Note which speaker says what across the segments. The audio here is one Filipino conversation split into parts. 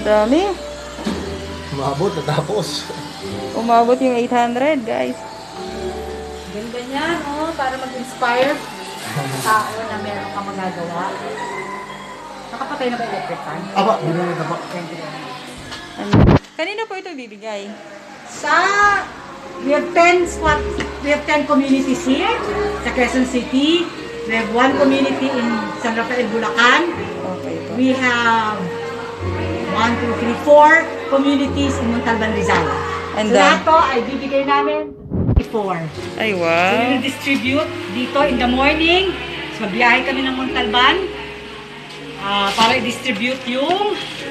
Speaker 1: Dami.
Speaker 2: Umabot, natapos.
Speaker 1: Umabot yung 800, guys.
Speaker 3: Ganda niya, no? Para mag-inspire sa tao na meron ka magagawa. Nakapatay na ba electric fan?
Speaker 2: Aba, binili na pa.
Speaker 1: Ano? Kanina po ito bibigay.
Speaker 3: We have 10 communities here sa Quezon City. We have 1 community in San Rafael, Bulacan.
Speaker 1: Okay po.
Speaker 3: We have 1, 2, 3, 4 communities in Montalban, Rizal.
Speaker 1: And
Speaker 3: So lahat to ay bibigay namin 4.
Speaker 1: Ay,
Speaker 3: So we
Speaker 1: wow.
Speaker 3: will distribute dito in the morning. So magbiyahe kami ng Montalban para i-distribute yung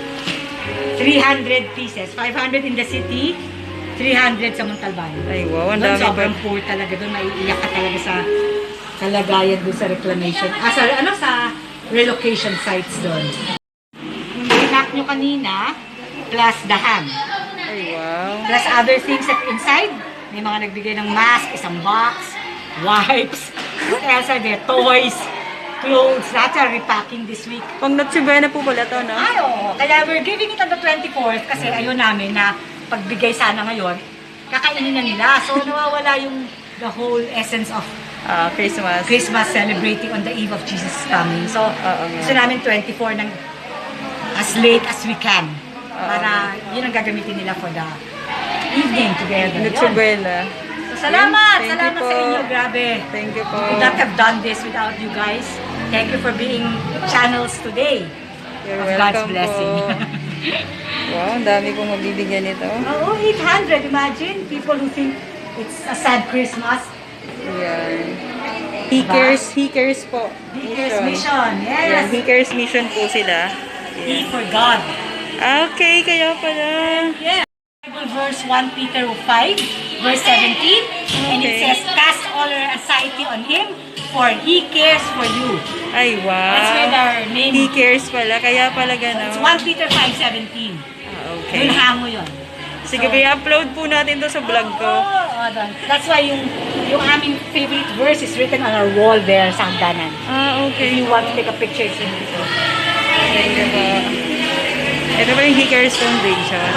Speaker 3: 300 pieces. 500 in the city, 300 sa Montalban.
Speaker 1: Ay, wow. Ang
Speaker 3: Doon
Speaker 1: dami
Speaker 3: sobrang
Speaker 1: pa.
Speaker 3: poor talaga. Doon maiiyak ka talaga sa kalagayan doon sa reclamation. Sa relocation sites doon. Yung hinak nyo kanina, plus the ham.
Speaker 1: Ay, wow.
Speaker 3: Plus other things that inside. May mga nagbigay ng mask, isang box, wipes, what else are there? Toys, clothes, lahat are repacking this week.
Speaker 1: Pang Noche Buena po pala to, no?
Speaker 3: Ay, oo. Kaya we're giving it on the 24th kasi ayun namin na pagbigay sana ngayon, kakainin na nila. So nawawala yung the whole essence of
Speaker 1: Christmas.
Speaker 3: Christmas celebrating on the eve of Jesus coming. So, gusto namin 24 ng as late as we can. Para yun ang gagamitin nila for the evening together.
Speaker 1: Noche
Speaker 3: Yun.
Speaker 1: Buena.
Speaker 3: So, salamat!
Speaker 1: Thank you
Speaker 3: Salamat
Speaker 1: po.
Speaker 3: sa inyo. Grabe.
Speaker 1: Thank you po.
Speaker 3: We could not have done this without you guys. Thank you for being channels today.
Speaker 1: You're
Speaker 3: of God's
Speaker 1: welcome
Speaker 3: blessing.
Speaker 1: po. Wow, ang dami pong mabibigyan nito.
Speaker 3: Oo, 800. Imagine people who think it's a sad Christmas.
Speaker 1: Ayan. He cares po.
Speaker 3: Because mission.
Speaker 1: Ayan,
Speaker 3: Yes.
Speaker 1: He cares mission po sila.
Speaker 3: E for God.
Speaker 1: Okay, kaya pala.
Speaker 3: Yeah. Bible verse 1 Peter 5, verse 17. And it
Speaker 1: Okay.
Speaker 3: says, cast all your anxiety on Him, for He cares for you.
Speaker 1: Ay,
Speaker 3: That's where
Speaker 1: wow.
Speaker 3: our name
Speaker 1: He cares pala, kaya pala gano'n.
Speaker 3: It's 1 Peter 5:17.
Speaker 1: Okay.
Speaker 3: Yun hango yun.
Speaker 1: Sige, i-upload po natin to sa vlog ko.
Speaker 3: That's why yung aming favorite verse is written on our wall there sa hagdanan. If
Speaker 1: Okay.
Speaker 3: you want to take a picture, it's in dito.
Speaker 1: Thank you po. Ito pa yung He Cares Foundation.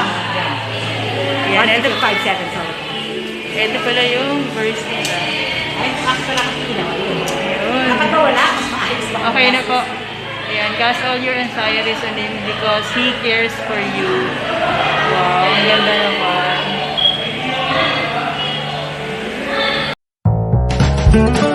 Speaker 1: Yan,
Speaker 3: 1
Speaker 1: ito,
Speaker 3: Peter 5:7, sorry.
Speaker 1: ito pala yung verse nila.
Speaker 3: Ay, ako pala kasi ginawa yun.
Speaker 1: Ayun.
Speaker 3: Dapat ba wala? Mas maayos ba?
Speaker 1: Okay na po. Ayan, cast all your anxieties on Him because He cares for you. Wow, ang ganda naman.